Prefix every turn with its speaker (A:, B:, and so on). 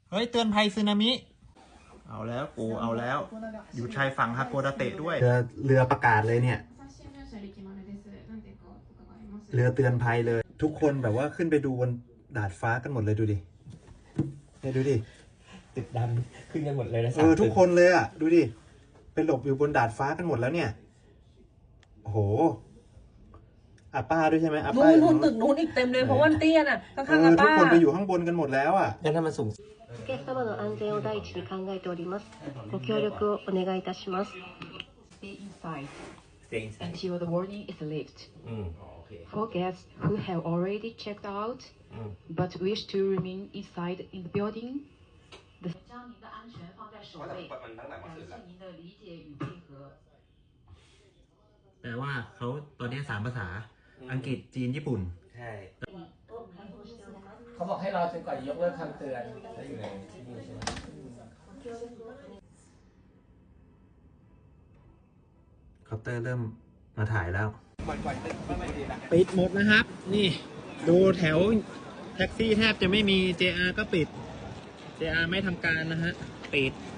A: เฮ้ยเตือนภัยสึนามิเอาแล้วกูเอาแล้วอยู่ชายฝั่งฮาโกดาเตะด้วยเรือประกาศเลยเนี่ยเรือเตือนภัยเลยทุกคนแบบว่าขึ้นไปดูบนดาดฟ้ากันหมดเลยดูดิเนี่ยดูดิ
B: ตึกดำขึ้นกันหมดเลยนะ
A: ทุกคนเลยอ่ะดูดิไปหลบอยู่บนดาดฟ้ากันหมดแล้วเนี่ยโอ้โหอาป้าด้วยใช่ไหมอาป้า
C: นู่นตึกนู้นอีกเต็มเลยเพราะว่าเตี้ยน่ะข้างๆอาป้า
A: ทุกคนไปอยู่ข้างบนกันหมดแล้วอ่ะ
B: งั้นถ้ามันสูง
D: お客様の安全を第一に考えております。ご協力をお願いいたします。
E: Stay inside
B: stay inside
E: until the warning is lifted.
B: โอเค
E: For guests who have already checked out but wish to remain inside in the building, 将您的安全放在首位。感谢您的理解与配合。
A: แปลว่าเขาตอนนี้3 ภาษาอังกฤษจีนญี่ปุ่น
B: ใช่เขาบอกให้รอจนกว่ายกเลิกคำเตือนแล้วอยู่ในนี่ใช่ไหม
A: คอปเตอร์เริ่มมาถ่ายแล้วปิดหมดนะครับนี่ดูแถวแท็กซี่แทบจะไม่มี JR ก็ปิด JR ไม่ทำการนะฮะปิด